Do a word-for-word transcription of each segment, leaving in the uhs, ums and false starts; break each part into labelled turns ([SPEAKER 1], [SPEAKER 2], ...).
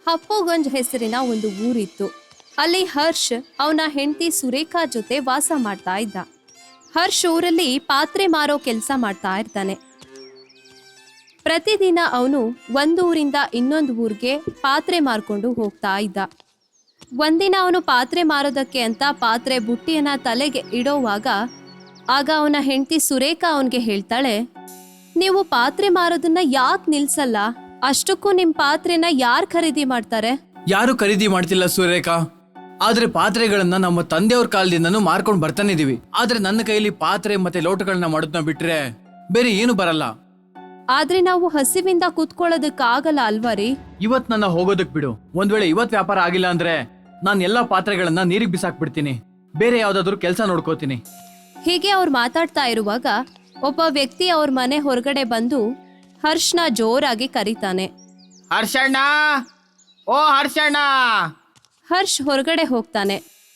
[SPEAKER 1] ಹಪ್ಪೋಗಂಜ್ ಹೆಸರಿನ ಒಂದು ಊರಿತ್ತು. ಅಲ್ಲಿ ಹರ್ಷ್ ಅವನ ಹೆಂಡತಿ ಸುರೇಖಾ ಜೊತೆ ವಾಸ ಮಾಡ್ತಾ ಇದ್ದ. ಹರ್ಷ್ ಊರಲ್ಲಿ ಪಾತ್ರೆ ಮಾರೋ ಕೆಲಸ ಮಾಡ್ತಾ ಇರ್ತಾನೆ. ಪ್ರತಿದಿನ ಅವನು ಒಂದು ಊರಿಂದ ಇನ್ನೊಂದು ಊರಿಗೆ ಪಾತ್ರೆ ಮಾರ್ಕೊಂಡು ಹೋಗ್ತಾ ಇದ್ದ. ಒಂದಿನ ಅವನು ಪಾತ್ರೆ ಮಾರೋದಕ್ಕೆ ಅಂತ ಪಾತ್ರೆ ಬುಟ್ಟಿಯನ್ನ ತಲೆಗೆ ಇಡೋವಾಗ ಆಗ ಅವನ ಹೆಂಡತಿ ಸುರೇಖಾ ಅವನ್ಗೆ ಹೇಳ್ತಾಳೆ, ನೀವು ಪಾತ್ರೆ ಮಾರೋದನ್ನ ಯಾಕೆ ನಿಲ್ಸಲ್ಲ? ಅಷ್ಟಕ್ಕೂ ನಿಮ್ ಪಾತ್ರೆನ ಯಾರು ಖರೀದಿ ಮಾಡ್ತಾರೆ?
[SPEAKER 2] ಯಾರು ಖರೀದಿ ಮಾಡ್ತಿಲ್ಲ ಸುರೇಖಾ. ಆದ್ರೆ ಪಾತ್ರೆಗಳನ್ನ ನಮ್ಮ ತಂದೆಯವ್ರ ಕಾಲದಿಂದನೂ ಮಾರ್ಕೊಂಡು ಬರ್ತಾನೆ ಇದೀವಿ. ಆದ್ರೆ ನನ್ನ ಕೈಲಿ ಪಾತ್ರೆ ಮತ್ತೆ ಲೋಟಗಳನ್ನ ಮಾಡೋದನ್ನ ಬಿಟ್ರೆ ಬೇರೆ ಏನು ಬರಲ್ಲ.
[SPEAKER 1] ಆದ್ರೆ ನಾವು ಹಸಿವಿಂದ ಕೂತ್ಕೊಳ್ಳೋದಕ್ಕಾಗಲ್ಲ ಅಲ್ವಾ ರೀ?
[SPEAKER 2] ಇವತ್ ನನ್ನ ಹೋಗೋದಕ್ ಬಿಡು. ಒಂದ್ ವೇಳೆ ಇವತ್ ವ್ಯಾಪಾರ ಆಗಿಲ್ಲ ಅಂದ್ರೆ ನಾನ್ ಎಲ್ಲಾ ಪಾತ್ರೆಗಳನ್ನ ನೀರಿಗೆ ಬಿಸಾಕ್ಬಿಡ್ತೀನಿ. ಬೇರೆ ಯಾವ್ದಾದ್ರು ಕೆಲಸ ನೋಡ್ಕೋತೀನಿ.
[SPEAKER 1] ಹೀಗೆ ಅವ್ರು ಮಾತಾಡ್ತಾ ಇರುವಾಗ ಒಬ್ಬ ವ್ಯಕ್ತಿ ಅವ್ರ ಮನೆ ಹೊರಗಡೆ ಬಂದು ಹರ್ಷನ ಜೋರಾಗಿ ಕರೀತಾನೆ.
[SPEAKER 2] ಹರ್ಷಣ್ಣ, ಓ ಹರ್ಷಣ್ಣ.
[SPEAKER 1] ಹರ್ಷ್ ಹೊರಗಡೆ ಹೋಗ್ತಾನೆ.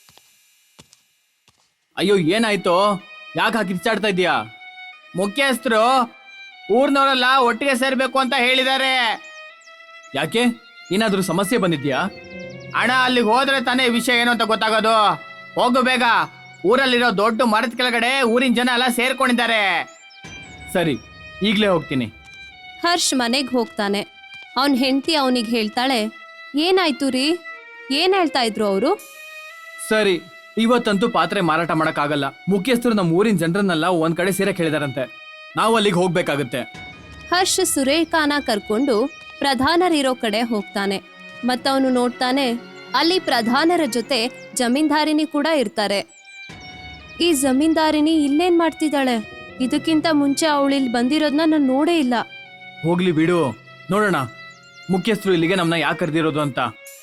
[SPEAKER 2] ಅಯ್ಯೋ ಏನಾಯ್ತು? ಯಾಕೆ ಹಾಕಿ ಕಿಚ್ಚಾಡ್ತಾ ಇದೀಯಾ? ಮುಖ್ಯಸ್ಥರು ಊರ್ನವರೆಲ್ಲ ಒಟ್ಟಿಗೆ ಸೇರ್ಬೇಕು ಅಂತ ಹೇಳಿದ್ದಾರೆ. ಯಾಕೆ? ಏನಾದ್ರೂ ಸಮಸ್ಯೆ ಬಂದಿದ್ಯಾ? ಅಣ್ಣ, ಅಲ್ಲಿಗೆ ಹೋದ್ರೆ ತಾನೇ ವಿಷಯ ಏನು ಅಂತ ಗೊತ್ತಾಗೋದು. ಹೋಗು ಬೇಗ. ಊರಲ್ಲಿರೋ ದೊಡ್ಡ ಮರದ ಕೆಳಗಡೆ ಊರಿನ ಜನ ಎಲ್ಲ ಸೇರ್ಕೊಂಡಿದ್ದಾರೆ. ಸರಿ, ಈಗ್ಲೇ ಹೋಗ್ತೀನಿ.
[SPEAKER 1] ಹರ್ಷ್ ಮನೆಗ್ ಹೋಗ್ತಾನೆ. ಅವನ್ ಹೆಂಡತಿ ಅವನಿಗೆ ಹೇಳ್ತಾಳೆ, ಏನಾಯ್ತು ರೀ? ಏನ್ ಹೇಳ್ತಾ ಇದ್ರು ಅವರು?
[SPEAKER 2] ಸರಿ, ಇವತ್ತಂತೂ ಪಾತ್ರೆ ಮಾರಾಟ ಮಾಡಕ್ ಆಗಲ್ಲ. ಮುಖ್ಯಸ್ಥರು ನಮ್ಮ ಊರಿನ ಜನರನ್ನೆಲ್ಲ ಒಂದ್ ಕಡೆ ಸೇರಕ್ ಹೇಳಿದಾರಂತೆ. ನಾವು ಅಲ್ಲಿಗೆ ಹೋಗ್ಬೇಕಾಗುತ್ತೆ.
[SPEAKER 1] ಹರ್ಷ್ ಸುರೇಖಾನ ಕರ್ಕೊಂಡು ಪ್ರಧಾನರಿರೋ ಕಡೆ ಹೋಗ್ತಾನೆ. ಮತ್ತವನು ನೋಡ್ತಾನೆ, ಅಲ್ಲಿ ಪ್ರಧಾನರ ಜೊತೆ ಜಮೀನ್ದಾರಿನಿ ಕೂಡ ಇರ್ತಾರೆ. ಈ ಜಮೀನ್ದಾರಿನಿ ಇಲ್ಲೇನ್ ಮಾಡ್ತಿದ್ದಾಳೆ? ಇದಕ್ಕಿಂತ ಮುಂಚೆ ಅವಳಿಲ್ ಬಂದಿರೋದನ್ನ ನಾನು ನೋಡೇ ಇಲ್ಲ.
[SPEAKER 2] ಹೋಗ್ಲಿ ಬಿಡು, ನೋಡೋಣ ಮುಖ್ಯಸ್ಥರು ಇಲ್ಲಿಗೆ ನಮ್ನ ಯಾಕೆ ಕರೆದಿರೋದು ಅಂತ.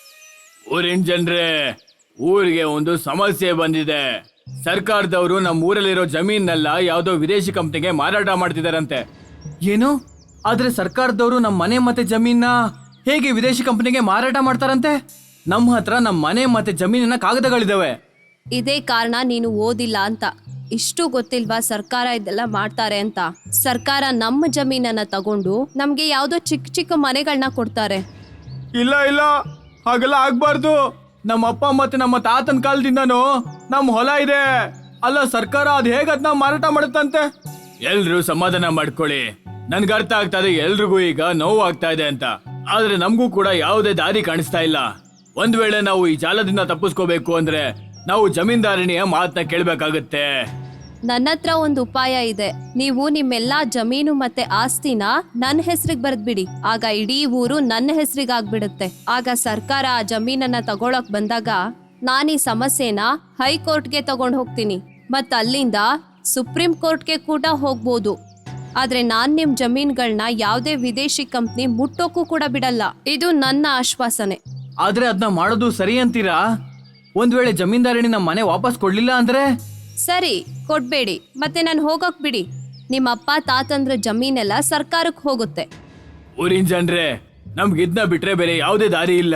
[SPEAKER 2] ಊರಿನ ಜನರೇ, ಊರಿಗೆ ಒಂದು ಸಮಸ್ಯೆ ಬಂದಿದೆ. ಸರ್ಕಾರದವರು ನಮ್ಮ ಊರಲ್ಲಿರೋ ಜಮೀನೆಲ್ಲ ಯಾವ್ದೋ ವಿದೇಶಿ ಕಂಪ್ನಿಗೆ ಮಾರಾಟ ಮಾಡ್ತಿದಾರಂತೆ. ಏನು? ಆದ್ರೆ ಸರ್ಕಾರದವರು ನಮ್ಮ ಮನೆ ಮತ್ತೆ ಜಮೀನ ಹೇಗೆ ವಿದೇಶಿ ಕಂಪ್ನಿಗೆ ಮಾರಾಟ ಮಾಡ್ತಾರಂತೆ? ನಮ್ಮ ಹತ್ರ ನಮ್ಮ ಮನೆ ಮತ್ತೆ ಜಮೀನಿನ ಕಾಗದಗಳಿದಾವೆ.
[SPEAKER 1] ಇದೇ ಕಾರಣ ನೀನು ಓದಿಲ್ಲ ಅಂತ. ಇಷ್ಟು ಗೊತ್ತಿಲ್ವಾ ಸರ್ಕಾರ ಇದೆಲ್ಲ ಮಾಡ್ತಾರೆ ಅಂತ? ಸರ್ಕಾರ ನಮ್ಮ ಜಮೀನನ್ನ ತಗೊಂಡು ನಮ್ಗೆ ಯಾವ್ದೋ ಚಿಕ್ಕ ಚಿಕ್ಕ ಮನೆಗಳನ್ನ ಕೊಡ್ತಾರೆ.
[SPEAKER 2] ಇಲ್ಲ ಇಲ್ಲ, ಹಾಗೆಲ್ಲ ಆಗ್ಬಾರ್ದು. ನಮ್ಮ ಅಪ್ಪ ಮತ್ತೆ ನಮ್ಮ ತಾತನ ಕಾಲದಿಂದನೂ ನಮ್ಮ ಹೊಲ ಇದೆ. ಅಲ್ಲ, ಸರ್ಕಾರ ಅದ್ ಹೇಗ ಅದನ್ನ ಮಾರಾಟ ಮಾಡುತ್ತಂತೆ? ಎಲ್ರು ಸಮಾಧಾನ ಮಾಡ್ಕೊಳ್ಳಿ. ನನ್ಗೆ ಅರ್ಥ ಆಗ್ತಾ ಇದೆ ಎಲ್ರಿಗೂ ಈಗ ನೋವು ಆಗ್ತಾ ಇದೆ ಅಂತ. ಆದ್ರೆ ನಮಗೂ ಕೂಡ ಯಾವುದೇ ದಾರಿ ಕಾಣಿಸ್ತಾ ಇಲ್ಲ. ಒಂದ್ ವೇಳೆ ನಾವು ಈ ಜಾಲದಿಂದ ತಪ್ಪಿಸ್ಕೋಬೇಕು ಅಂದ್ರೆ ನಾವು ಜಮೀನ್ದಾರಣಿಯ ಮಾತನ್ನ ಕೇಳ್ಬೇಕಾಗತ್ತೆ.
[SPEAKER 1] ನನ್ನ ಹತ್ರ ಒಂದು ಉಪಾಯ ಇದೆ. ನೀವು ನಿಮ್ಮೆಲ್ಲಾ ಜಮೀನು ಮತ್ತೆ ಆಸ್ತಿನ ನನ್ನ ಹೆಸರಿಗೆ ಬರೆದ್ಬಿಡಿ. ಆಗ ಇಡೀ ಊರು ನನ್ನ ಹೆಸರಿಗೆ ಆಗ್ಬಿಡುತ್ತೆ. ಆಗ ಸರ್ಕಾರ ಆ ಜಮೀನನ್ನ ತಗೊಳಕ್ ಬಂದಾಗ ನಾನು ಈ ಸಮಸ್ಯೆನ ಹೈಕೋರ್ಟ್ಗೆ ತಗೊಂಡ್ ಹೋಗ್ತೀನಿ. ಮತ್ ಅಲ್ಲಿಂದ ಸುಪ್ರೀಂ ಕೋರ್ಟ್ಗೆ ಕೂಡ ಹೋಗ್ಬೋದು. ಆದ್ರೆ ನಾನ್ ನಿಮ್ ಜಮೀನ್ಗಳನ್ನ ಯಾವ್ದೇ ವಿದೇಶಿ ಕಂಪ್ನಿ ಮುಟ್ಟೋಕ್ಕೂ ಕೂಡ ಬಿಡಲ್ಲ. ಇದು ನನ್ನ ಆಶ್ವಾಸನೆ.
[SPEAKER 2] ಆದ್ರೆ ಅದನ್ನ ಮಾಡೋದು ಸರಿ ಅಂತೀರಾ? ಒಂದ್ ವೇಳೆ ಜಮೀನ್ದಾರಣಿ ನಮ್ಮ ಮನೆ ವಾಪಸ್ ಕೊಡ್ಲಿಲ್ಲ ಅಂದ್ರೆ?
[SPEAKER 1] ಸರಿ, ಕೊಡ್ಬೇಡಿ, ಮತ್ತೆ ನಾನು ಹೋಗಕ್ ಬಿಡಿ. ನಿಮ್ಮ ಅಪ್ಪ ತಾತಂದ್ರ ಜಮೀನೆಲ್ಲ ಸರ್ಕಾರಕ್ಕೆ ಹೋಗುತ್ತೆ.
[SPEAKER 2] ಊರಿನ ಜನರೇ, ನಮ್ಗೆ ಇದನ್ನ ಬಿಟ್ರೆ ಬೇರೆ ಯಾವುದೇ ದಾರಿ ಇಲ್ಲ.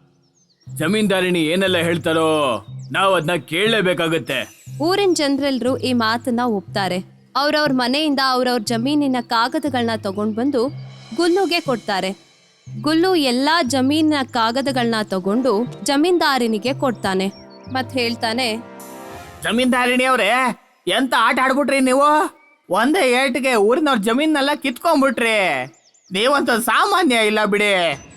[SPEAKER 2] ಜಮೀನ್ದಾರಣಿ ಏನೆಲ್ಲ ಹೇಳ್ತಾರೋ ನಾವು ಅದನ್ನ ಕೇಳಲೇಬೇಕಾಗತ್ತೆ.
[SPEAKER 1] ಊರಿನ ಜನರೆಲ್ಲರೂ ಈ ಮಾತನ್ನ ಒಪ್ತಾರೆ. ಅವ್ರವ್ರ ಮನೆಯಿಂದ ಅವ್ರವ್ರ ಜಮೀನಿನ ಕಾಗದಗಳನ್ನ ತಗೊಂಡ್ ಬಂದು ಗುಲ್ಲುಗೆ ಕೊಡ್ತಾರೆ. ಗುಲ್ಲು ಎಲ್ಲಾ ಜಮೀನಿನ ಕಾಗದಗಳನ್ನ ತಗೊಂಡು ಜಮೀನ್ದಾರನಿಗೆ ಕೊಡ್ತಾನೆ. ಮತ್ ಹೇಳ್ತಾನೆ,
[SPEAKER 2] ಜಮೀನ್ದಾರಣಿ ಅವ್ರೆ, ಎಂತ ಆಟ ಆಡ್ಬಿಟ್ರಿ ನೀವು. ಒಂದೇ ಏಟಿಗೆ ಊರಿನವ್ರ ಜಮೀನೆಲ್ಲ ಕಿತ್ಕೊಂಡ್ಬಿಟ್ರಿ. ನೀವಂತ ಸಾಮಾನ್ಯ ಇಲ್ಲ ಬಿಡಿ.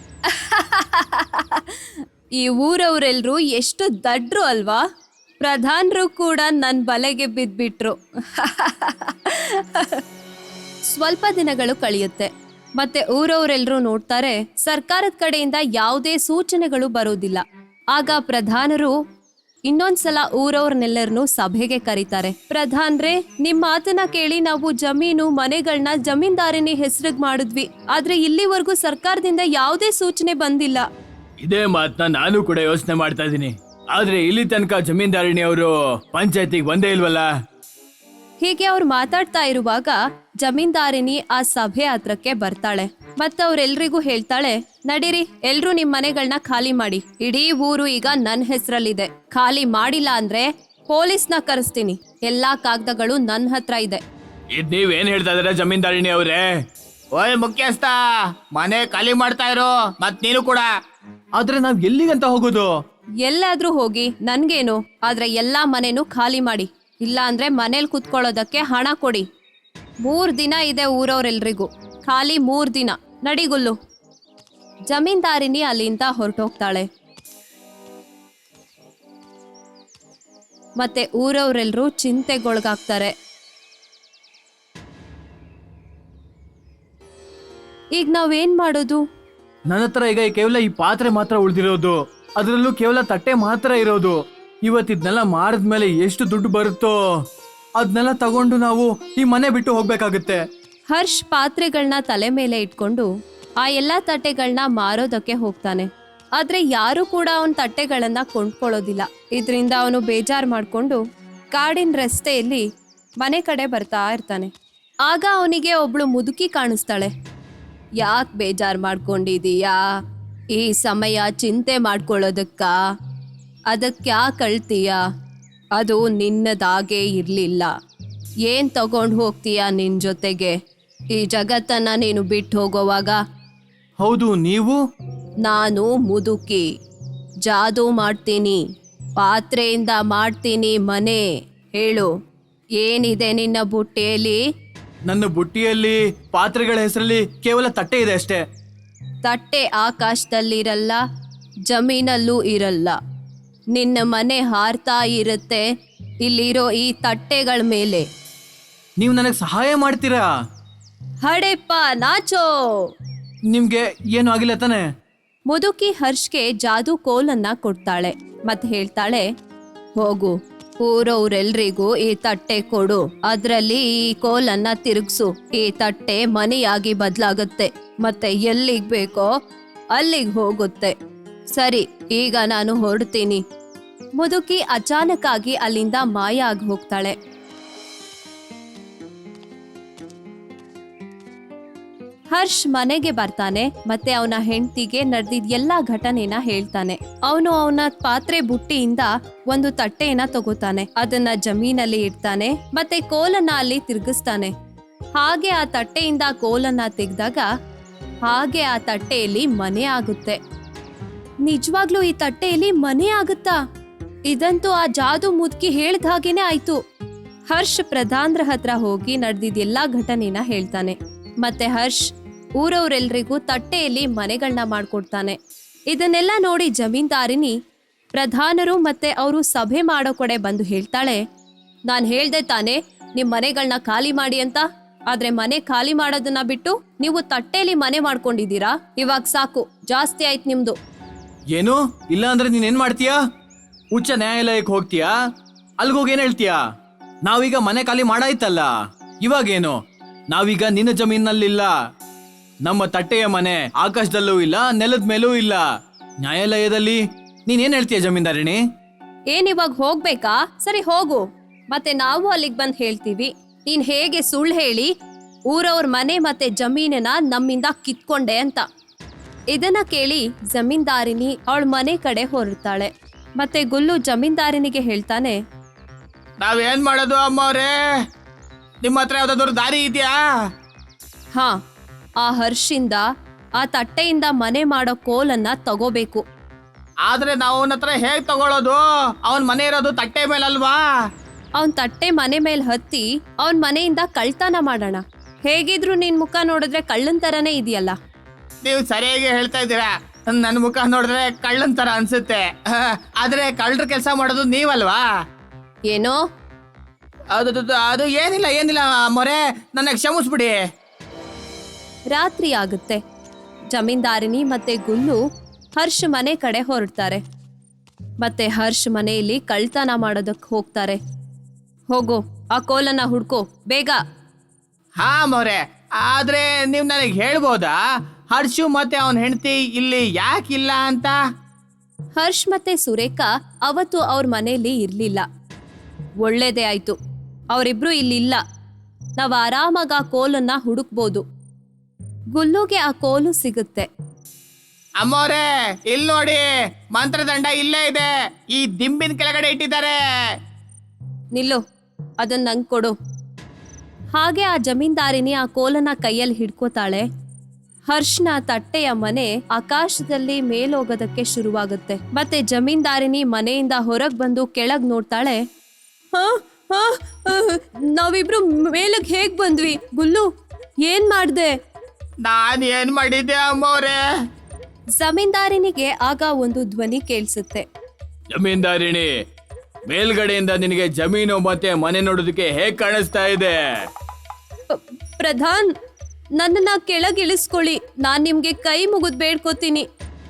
[SPEAKER 1] ಈ ಊರವರೆಲ್ರು ಎಷ್ಟು ದಡ್ರು ಅಲ್ವಾ? ಪ್ರಧಾನರು ಕೂಡ ನನ್ನ ಬಲೆಗೆ ಬಿದ್ಬಿಟ್ರು. ಸ್ವಲ್ಪ ದಿನಗಳು ಕಳೆಯುತ್ತೆ. ಮತ್ತೆ ಊರವರೆಲ್ಲರೂ ನೋಡ್ತಾರೆ, ಸರ್ಕಾರದ ಕಡೆಯಿಂದ ಯಾವುದೇ ಸೂಚನೆಗಳು ಬರೋದಿಲ್ಲ. ಆಗ ಪ್ರಧಾನರು ಇನ್ನೊಂದ್ಸಲ ಊರವ್ರನ್ನೆಲ್ಲರನ್ನು ಸಭೆಗೆ ಕರೀತಾರೆ. ಪ್ರಧಾನ್ರೆ, ನಿಮ್ ಮಾತನ್ನ ಕೇಳಿ ನಾವು ಜಮೀನು ಮನೆಗಳನ್ನ ಜಮೀನ್ದಾರಿನಿ ಹೆಸರಿಗೆ ಮಾಡಿದ್ವಿ. ಆದ್ರೆ ಇಲ್ಲಿವರೆಗೂ ಸರ್ಕಾರದಿಂದ ಯಾವುದೇ ಸೂಚನೆ ಬಂದಿಲ್ಲ.
[SPEAKER 2] ಇದೇ ಮಾತನ್ನ ನಾನು ಕೂಡ ಯೋಚನೆ ಮಾಡ್ತಾ ಇದ್ದೀನಿ. ಆದ್ರೆ ಇಲ್ಲಿ ತನಕ ಜಮೀನ್ದಾರಣಿ ಅವರು ಪಂಚಾಯತಿಗೆ ಬಂದೇ ಇಲ್ವಲ್ಲ.
[SPEAKER 1] ಹೀಗೆ ಅವ್ರು ಮಾತಾಡ್ತಾ ಇರುವಾಗ ಜಮೀನ್ದಾರಿನಿ ಆ ಸಭೆ ಹತ್ರಕ್ಕೆ ಬರ್ತಾಳೆ. ಮತ್ತೆ ಅವ್ರೆಲ್ರಿಗೂ ಹೇಳ್ತಾಳೆ, ನಡೀರಿ, ಎಲ್ರೂ ನಿಮ್ ಮನೆಗಳನ್ನ ಖಾಲಿ ಮಾಡಿ. ಇಡೀ ಊರು ಈಗ ನನ್ನ ಹೆಸರಲ್ಲಿದೆ. ಖಾಲಿ ಮಾಡಿಲ್ಲ ಅಂದ್ರೆ ಪೊಲೀಸ್ನ ಕರೆಸ್ತೀನಿ. ಎಲ್ಲಾ ಕಾಗದಗಳು ನನ್ನ ಹತ್ರ ಇದೆ.
[SPEAKER 2] ಇದ್ ನೀವೇನ್ ಹೇಳ್ತಾ ಇದಾರೆ ಜಮೀನ್ದಾರಿಣಿ ಅವ್ರೆ? ಓಯ್ ಮುಖ್ಯಸ್ಥ, ಮನೆ ಖಾಲಿ ಮಾಡ್ತಾ ಇರೋ, ಮತ್ ನೀನು ಕೂಡ. ಆದ್ರೆ ನಾವ್ ಎಲ್ಲಿಗಂತ ಹೋಗೋದು?
[SPEAKER 1] ಎಲ್ಲಾದ್ರೂ ಹೋಗಿ ನನ್ಗೇನು, ಆದ್ರೆ ಎಲ್ಲಾ ಮನೆನೂ ಖಾಲಿ ಮಾಡಿ, ಇಲ್ಲ ಅಂದ್ರೆ ಮನೇಲಿ ಕುತ್ಕೊಳ್ಳೋದಕ್ಕೆ ಹಣ ಕೊಡಿ. ಮೂರ್ ದಿನ ಇದೆ ಊರವ್ರೆಲ್ರಿಗೂ, ಖಾಲಿ ಮೂರ್ ದಿನ. ನಡಿಗುಲ್ಲು. ಜಮೀನ್ದಾರಿನಿ ಅಲ್ಲಿಂದ ಹೊರಟೋಗ್ತಾಳೆ. ಮತ್ತೆ ಊರವ್ರೆಲ್ರೂ ಚಿಂತೆಗೊಳಗಾಗ್ತಾರೆ. ಈಗ ನಾವೇನ್ ಮಾಡೋದು?
[SPEAKER 2] ನನ್ನ ಹತ್ರ ಈಗ ಕೇವಲ ಈ ಪಾತ್ರೆ ಮಾತ್ರ ಉಳಿದಿರೋದು, ಅದರಲ್ಲೂ ಕೇವಲ ತಟ್ಟೆ ಮಾತ್ರ ಇರೋದು. ಇವತ್ತಿದ್ನೆಲ್ಲ ಮಾರಿದ್ಮೇಲೆ ಎಷ್ಟು ದುಡ್ಡು ಬರುತ್ತೋ ಅದನ್ನೆಲ್ಲ ತಗೊಂಡು ನಾವು ಈ ಮನೆ ಬಿಟ್ಟು ಹೋಗ್ಬೇಕಾಗುತ್ತೆ.
[SPEAKER 1] ಹರ್ಷ್ ಪಾತ್ರೆಗಳನ್ನ ತಲೆ ಮೇಲೆ ಇಟ್ಕೊಂಡು ಆ ಎಲ್ಲಾ ತಟ್ಟೆಗಳನ್ನ ಮಾರೋದಕ್ಕೆ ಹೋಗ್ತಾನೆ. ಆದ್ರೆ ಯಾರು ಕೂಡ ಅವನ ತಟ್ಟೆಗಳನ್ನ ಕೊಂಡ್ಕೊಳ್ಳೋದಿಲ್ಲ. ಇದರಿಂದ ಅವನು ಬೇಜಾರ್ ಮಾಡ್ಕೊಂಡು ಕಾಡಿನ ರಸ್ತೆಯಲ್ಲಿ ಮನೆ ಕಡೆ ಬರ್ತಾ ಇರ್ತಾನೆ. ಆಗ ಅವನಿಗೆ ಒಬ್ಳು ಮುದುಕಿ ಕಾಣಿಸ್ತಾಳೆ. ಯಾಕೆ ಬೇಜಾರ್ ಮಾಡ್ಕೊಂಡಿದೀಯಾ? ಈ ಸಮಯ ಚಿಂತೆ ಮಾಡ್ಕೊಳ್ಳೋದಕ್ಕ? ಅದಕ್ಕೆ ಯಾಕೆ ಅಳ್ತೀಯ? ಅದು ನಿನ್ನದಾಗೇ ಇರಲಿಲ್ಲ. ಏನು ತಗೊಂಡು ಹೋಗ್ತೀಯಾ ನಿನ್ನ ಜೊತೆಗೆ? ಈ ಜಗತ್ತನ್ನ ನೀನು ಬಿಟ್ಟು ಹೋಗೋವಾಗ.
[SPEAKER 2] ಹೌದು, ನೀವು?
[SPEAKER 1] ನಾನು ಮುದುಕಿ, ಜಾದೂ ಮಾಡ್ತೀನಿ, ಪಾತ್ರೆಯಿಂದ ಮಾಡ್ತೀನಿ ಮನೆ. ಹೇಳು, ಏನಿದೆ ನಿನ್ನ ಬುಟ್ಟಿಯಲ್ಲಿ?
[SPEAKER 2] ನನ್ನ ಬುಟ್ಟಿಯಲ್ಲಿ ಪಾತ್ರೆಗಳ ಹೆಸರಲ್ಲಿ ಕೇವಲ ತಟ್ಟೆ ಇದೆ ಅಷ್ಟೇ.
[SPEAKER 1] ತಟ್ಟೆ ಆಕಾಶದಲ್ಲಿರಲ್ಲ, ಜಮೀನಲ್ಲೂ ಇರಲ್ಲ. ನಿನ್ನ ಮನೆ ಹಾರ್ತಾ ಇರುತ್ತೆ ಇಲ್ಲಿರೋ ಈ ತಟ್ಟೆಗಳ ಮೇಲೆ.
[SPEAKER 2] ನೀವು ನನಗೆ ಸಹಾಯ ಮಾಡ್ತೀರಾ?
[SPEAKER 1] ಹಡೆಪ್ಪ ನಾಚೋ.
[SPEAKER 2] ನಿಮ್ಗೆ ಏನು ಆಗಿಲ್ಲ ತಾನೆ?
[SPEAKER 1] ಮುದುಕಿ ಹರ್ಷ್ಗೆ ಜಾದೂ ಕೋಲನ್ನ ಕೊಡ್ತಾಳೆ ಮತ್ತೆ ಹೇಳ್ತಾಳೆ, ಹೋಗು, ಊರವ್ರೆಲ್ರಿಗೂ ಈ ತಟ್ಟೆ ಕೊಡು, ಅದ್ರಲ್ಲಿ ಈ ಕೋಲನ್ನ ತಿರುಗ್ಸು. ಈ ತಟ್ಟೆ ಮನೆಯಾಗಿ ಬದಲಾಗುತ್ತೆ ಮತ್ತೆ ಎಲ್ಲಿಗ್ ಬೇಕೋ ಅಲ್ಲಿಗೆ ಹೋಗುತ್ತೆ. ಸರಿ, ಈಗ ನಾನು ಹೊರಡ್ತೀನಿ. ಮುದುಕಿ ಅಚಾನಕ್ ಆಗಿ ಅಲ್ಲಿಂದ ಮಾಯ ಆಗಿ ಹೋಗ್ತಾಳೆ. ಹರ್ಷ್ ಮನೆಗೆ ಬರ್ತಾನೆ ಮತ್ತೆ ಅವನ ಹೆಂಡತಿಗೆ ನಡೆದಿದ್ ಎಲ್ಲಾ ಘಟನೆನ ಹೇಳ್ತಾನೆ. ಅವನು ಅವನ ಪಾತ್ರೆ ಬುಟ್ಟಿಯಿಂದ ಒಂದು ತಟ್ಟೆಯನ್ನ ತಗೋತಾನೆ, ಅದನ್ನ ಜಮೀನಲ್ಲಿ ಇಡ್ತಾನೆ ಮತ್ತೆ ಕೋಲನ್ನ ಅಲ್ಲಿ ತಿರುಗಿಸ್ತಾನೆ. ಹಾಗೆ ಆ ತಟ್ಟೆಯಿಂದ ಕೋಲನ್ನ ತೆಗೆದಾಗ ಹಾಗೆ ಆ ತಟ್ಟೆಯಲ್ಲಿ ಮನೆ ಆಗುತ್ತೆ. ನಿಜವಾಗ್ಲೂ ಈ ತಟ್ಟೆಯಲ್ಲಿ ಮನೆ ಆಗುತ್ತಾ? ಇದಂತೂ ಆ ಜಾದು ಮುದುಕಿ ಹೇಳ್ದ ಹಾಗೇನೆ ಆಯ್ತು. ಹರ್ಷ್ ಪ್ರಧಾನ್ರ ಹತ್ರ ಹೋಗಿ ನಡೆದಿದ್ ಎಲ್ಲಾ ಘಟನೆನ ಹೇಳ್ತಾನೆ. ಮತ್ತೆ ಹರ್ಷ್ ಊರವ್ರೆಲ್ರಿಗೂ ತಟ್ಟೆಯಲ್ಲಿ ಮನೆಗಳನ್ನ ಮಾಡ್ಕೊಡ್ತಾನೆ. ಇದನ್ನೆಲ್ಲ ನೋಡಿ ಜಮೀನ್ದಾರಿನಿ ಪ್ರಧಾನರು ಮತ್ತೆ ಅವರು ಸಭೆ ಮಾಡೋ ಕಡೆ ಬಂದು ಹೇಳ್ತಾಳೆ, ನಾನ್ ಹೇಳ್ದೆ ತಾನೆ ನಿಮ್ ಮನೆಗಳನ್ನ ಖಾಲಿ ಮಾಡಿ ಅಂತ, ಆದ್ರೆ ಮನೆ ಖಾಲಿ ಮಾಡೋದನ್ನ ಬಿಟ್ಟು ನೀವು ತಟ್ಟೆಯಲ್ಲಿ ಮನೆ ಮಾಡ್ಕೊಂಡಿದ್ದೀರಾ. ಇವಾಗ ಸಾಕು, ಜಾಸ್ತಿ ಆಯ್ತು ನಿಮ್ದು.
[SPEAKER 2] ಏನು? ಇಲ್ಲ ಅಂದ್ರೆ ನೀನ್ ಏನ್ ಮಾಡ್ತೀಯಾ? ಉಚ್ಚ ನ್ಯಾಯಾಲಯಕ್ಕೆ ಹೋಗ್ತೀಯಾ? ಅಲ್ಗೋಗಿ ಏನ್ ಹೇಳ್ತೀಯಾ? ನಾವೀಗ ಮನೆ ಖಾಲಿ ಮಾಡಾಯ್ತಲ್ಲ, ಇವಾಗೇನು? ನಾವೀಗ ನಿನ್ನ ಜಮೀನಲ್ಲಿಲ್ಲ. ನಮ್ಮ ತಟ್ಟೆಯ ಮನೆ ಆಕಾಶದಲ್ಲೂ ಇಲ್ಲ, ನೆಲದ ಮೇಲೂ ಇಲ್ಲ. ನ್ಯಾಯಾಲಯದಲ್ಲಿ ನೀನ್ ಏನ್ ಹೇಳ್ತೀಯ ಜಮೀನ್ದಾರಿಣಿ?
[SPEAKER 1] ಏನ್ ಇವಾಗ ಹೋಗ್ಬೇಕಾ? ಸರಿ ಹೋಗು, ಮತ್ತೆ ನಾವು ಅಲ್ಲಿಗೆ ಬಂದ್ ಹೇಳ್ತೀವಿ ನೀನ್ ಹೇಗೆ ಸುಳ್ಳು ಹೇಳಿ ಊರವ್ರ ಮನೆ ಮತ್ತೆ ಜಮೀನನ್ನ ನಮ್ಮಿಂದ ಕಿತ್ಕೊಂಡೆ ಅಂತ. ಇದನ್ನ ಕೇಳಿ ಜಮೀನ್ದಾರಿನಿ ಅವಳ ಮನೆ ಕಡೆ ಹೊರಡ್ತಾಳೆ. ಮತ್ತೆ ಗುಲ್ಲು ಜಮೀನ್ದಾರಿನಿಗೆ ಹೇಳ್ತಾನೆ,
[SPEAKER 2] ನಾವೇನ್ ಮಾಡೋದು ಅಮ್ಮವ್ರೆ? ನಿಮ್ಮ ಹತ್ರ ಯಾವ್ದಾದ್ರು ದಾರಿ ಇದೆಯಾ?
[SPEAKER 1] ಹಾ, ಆ ಹರ್ಷಿಂದ ಆ ತಟ್ಟೆಯಿಂದ ಮನೆ ಮಾಡೋ ಕೋಲನ್ನ ತಗೋಬೇಕು.
[SPEAKER 2] ಆದ್ರೆ ನಾವು ಅವನ ಹತ್ರ ಹೇಗ್ ತಗೊಳ್ಳೋದು? ಅವನ್ ಮನೆ ಇರೋದು ತಟ್ಟೆ ಮೇಲಲ್ವಾ?
[SPEAKER 1] ಅವನ್ ತಟ್ಟೆ ಮನೆ ಮೇಲೆ ಹತ್ತಿ ಅವನ್ ಮನೆಯಿಂದ ಕಳ್ತನ ಮಾಡೋಣ. ಹೇಗಿದ್ರು ನಿನ್ ಮುಖ ನೋಡಿದ್ರೆ ಕಳ್ಳನ್ ತರನೇ ಇದೆಯಲ್ಲ.
[SPEAKER 2] ನೀವು ಸರಿಯಾಗಿ ಹೇಳ್ತಾ ಇದ್ದೀರಾ. ನನ್ನ ಮುಖ ನೋಡಿದ್ರೆ ಕಳ್ಳನ್ ತರ ಅನ್ಸುತ್ತೆ, ಆದ್ರೆ ಕಳ್ಳರ ಕೆಲಸ ಮಾಡೋದು ನೀವಲ್ವಾ?
[SPEAKER 1] ಏನೋ?
[SPEAKER 2] ಅದು ಅದು ಏನಿಲ್ಲ ಏನಿಲ್ಲ ಮೊರೆ, ನನ್ನ ಕ್ಷಮಿಸ್ಬಿಡಿ.
[SPEAKER 1] ರಾತ್ರಿ ಆಗುತ್ತೆ. ಜಮೀನ್ದಾರಿನಿ ಮತ್ತೆ ಗುಲ್ಲು ಹರ್ಷ್ ಮನೆ ಕಡೆ ಹೊರಡ್ತಾರೆ. ಮತ್ತೆ ಹರ್ಷ್ ಮನೆಯಲ್ಲಿ ಕಳ್ತನ ಮಾಡೋದಕ್ಕೆ ಹೋಗ್ತಾರೆ. ಹೋಗು, ಆ ಕೋಲನ್ನ ಹುಡ್ಕೋ ಬೇಗ.
[SPEAKER 2] ಹಾ ಮೊರೆ, ಆದ್ರೆ ನೀವು ನನಗೆ ಹೇಳ್ಬೋದಾ ಹರ್ಷು ಮತ್ತೆ ಅವನ ಹೆಂಡತಿ ಇಲ್ಲಿ ಯಾಕಿಲ್ಲ ಅಂತ?
[SPEAKER 1] ಹರ್ಷ್ ಮತ್ತೆ ಸುರೇಖಾ ಅವತ್ತು ಅವ್ರ ಮನೆಯಲ್ಲಿ ಇರ್ಲಿಲ್ಲ. ಒಳ್ಳೇದೇ ಆಯ್ತು, ಅವರಿಬ್ರು ಇಲ್ಲಿಲ್ಲ. ನಾವ್ ಆರಾಮಾಗ ಆ ಕೋಲನ್ನ ಹುಡುಕ್ಬೋದು. ಗುಲ್ಲುಗೆ ಆ ಕೋಲು ಸಿಗುತ್ತೆ.
[SPEAKER 2] ಅಮ್ಮೋರೆ, ಇಲ್ಲಿ ನೋಡಿ, ಮಂತ್ರದಂಡ ಇಲ್ಲೇ ಇದೆ, ಈ ದಿಂಬಿನ ಕೆಳಗಡೆ ಇಟ್ಟಿದ್ದಾರೆ.
[SPEAKER 1] ನಿಲ್ಲು, ಅದನ್ನ ನಂಗೆ ಕೊಡು. ಹಾಗೆ ಆ ಜಮೀನ್ದಾರಿನಿ ಆ ಕೋಲನ ಕೈಯಲ್ಲಿ ಹಿಡ್ಕೋತಾಳೆ. ಹರ್ಷ್ನ ತಟ್ಟೆಯ ಮನೆ ಆಕಾಶದಲ್ಲಿ ಮೇಲೋಗೋದಕ್ಕೆ ಶುರುವಾಗುತ್ತೆ. ಮತ್ತೆ ಜಮೀನ್ದಾರಿನಿ ಮನೆಯಿಂದ ಹೊರಗ್ ಬಂದು ಕೆಳಗ್ ನೋಡ್ತಾಳೆ. ಹಾ ಹಾ ನಾವಿಬ್ರು ಮೇಲಗ್ ಹೇಗ್ ಬಂದ್ವಿ? ಗುಲ್ಲು, ಏನ್ ಮಾಡ್ದೆ?
[SPEAKER 2] ನಾನ್ ಏನ್ ಮಾಡಿದ್ದೆ ಅಮ್ಮವ್ರೆ?
[SPEAKER 1] ಜಮೀನ್ದಾರಿನಿಗೆ ಆಗ ಒಂದು ಧ್ವನಿ ಕೇಳಿಸುತ್ತೆ.
[SPEAKER 2] ಜಮೀನ್ದಾರಿಣಿ, ಮೇಲ್ಗಡೆಯಿಂದ ನಿನಗೆ ಜಮೀನು ಮತ್ತೆ ಮನೆ ನೋಡೋದಕ್ಕೆ ಹೇಗ್ ಕಾಣಿಸ್ತಾ ಇದೆ?
[SPEAKER 1] ಪ- ಪ್ರಧಾನ್, ನನ್ನನ್ನ ಕೆಳಗಿಳಿಸ್ಕೊಳ್ಳಿ. ನಾನ್ ನಿಮ್ಗೆ ಕೈ ಮುಗಿದ್ ಬೇಡ್ಕೋತೀನಿ.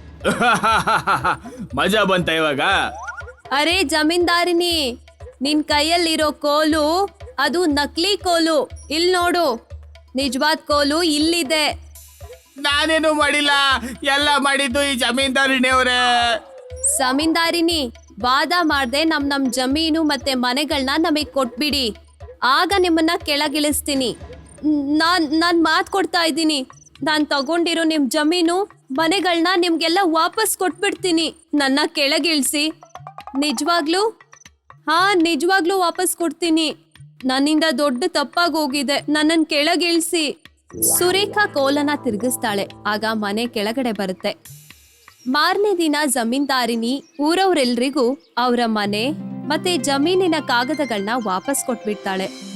[SPEAKER 2] ಮಜಾ ಬಂತ ಇವಾಗ?
[SPEAKER 1] ಅರೆ ಜಮೀನ್ದಾರಿನಿ, ನಿನ್ ಕೈಯಲ್ಲಿರೋ ಕೋಲು ಅದು ನಕಲಿ ಕೋಲು. ಇಲ್ ನೋಡು, ನಿಜವಾದ ಕೋಲು ಇಲ್ಲಿದೆ.
[SPEAKER 2] ನಾನೇನು ಮಾಡಿಲ್ಲ, ಎಲ್ಲ ಮಾಡಿದ್ದು ಈ ಜಮೀನ್ದಾರಿಣಿ ಅವರೇ.
[SPEAKER 1] ಜಮೀನ್ದಾರಿನಿ, ವಾದ ಮಾಡ್ದೆ ನಮ್ ನಮ್ ಜಮೀನು ಮತ್ತೆ ಮನೆಗಳನ್ನ ನಮಗ್ ಕೊಟ್ಬಿಡಿ, ಆಗ ನಿಮ್ಮನ್ನ ಕೆಳಗಿಳಿಸ್ತೀನಿ. ನಾನ್ ನಾನ್ ಮಾತ್ ಕೊಡ್ತಾ ಇದ್ದೀನಿ, ನಾನ್ ತಗೊಂಡಿರೋ ನಿಮ್ ಜಮೀನು ಮನೆಗಳನ್ನ ನಿಮ್ಗೆಲ್ಲ ವಾಪಸ್ ಕೊಟ್ಬಿಡ್ತೀನಿ. ನನ್ನ ಕೆಳಗಿಳಿಸಿ. ನಿಜವಾಗ್ಲೂ? ಹಾ, ನಿಜವಾಗ್ಲೂ ವಾಪಸ್ ಕೊಡ್ತೀನಿ. ನನ್ನಿಂದ ದೊಡ್ಡ ತಪ್ಪಾಗಿ ಹೋಗಿದೆ, ನನ್ನನ್ ಕೆಳಗಿಳಿಸಿ. ಸುರೇಖಾ ಕೋಲನ ತಿರುಗಿಸ್ತಾಳೆ. ಆಗ ಮನೆ ಕೆಳಗಡೆ ಬರುತ್ತೆ. ಮಾರನೇ ದಿನ ಜಮೀನ್ದಾರಿನಿ ಊರವ್ರೆಲ್ರಿಗೂ ಅವರ ಮನೆ ಮತ್ತೆ ಜಮೀನಿನ ಕಾಗದಗಳನ್ನ ವಾಪಸ್ ಕೊಟ್ಬಿಡ್ತಾಳೆ.